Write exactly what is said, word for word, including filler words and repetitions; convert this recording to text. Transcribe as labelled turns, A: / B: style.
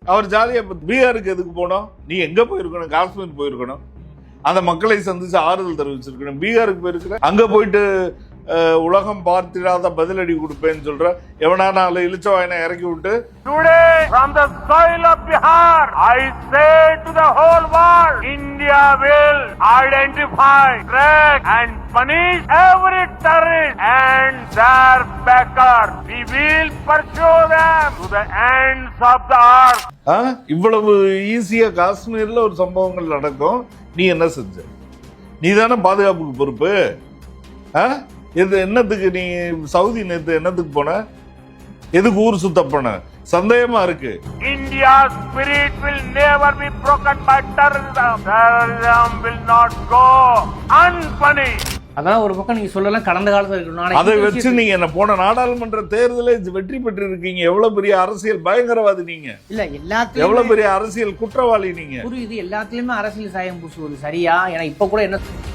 A: அவர் ஜாலியா பீகாருக்கு எதுக்கு போனோம்? நீ எங்க போயிருக்கணும்? காஷ்மீர் போயிருக்கணும், அந்த மக்களை சந்திச்சு ஆறுதல் தெரிவிச்சிருக்கணும். பீகாருக்கு போயிருக்கிற, அங்க போயிட்டு உலகம் பார்த்திடாத பதிலடி கொடுப்பேன்னு சொல்ற எவனா நாலு இழிச்ச வாயனை இறக்கி விட்டு
B: Today, from the soil of Bihar, I say to the whole world, India will identify, track and punish every terrorist and their backers. We will pursue them to the ends of the earth.
A: இவ்வளவு ஈஸியா காஷ்மீர்ல ஒரு சம்பவங்கள் நடக்கும். நீ என்ன செஞ்ச? நீ தானே பாதுகாப்புக்கு பொறுப்பு. இது என்னத்துக்கு நீ சவுதி நேத்து என்னத்துக்கு போன? எதுக்கு ஊர் சுத்த போன? சந்தேகமா இருக்கு.
B: India spirit will never be broken by terrorism. Terrorism will not go unpunished.
C: அதான் ஒரு பக்கம் நீங்க சொல்லலாம் கடந்த காலத்துல இருக்கணும்.
A: அதை வச்சு நீங்க என்ன போன நாடாளுமன்ற தேர்தலை வெற்றி பெற்று இருக்கீங்க. எவ்வளவு பெரிய அரசியல் பயங்கரவாதி நீங்க.
C: இல்ல எல்லாத்துலயும்
A: எவ்வளவு பெரிய அரசியல் குற்றவாளி நீங்க.
C: புரியுது, எல்லாத்துலயுமே அரசியல் சாயம் பூசுவது சரியா? ஏன்னா இப்ப கூட என்ன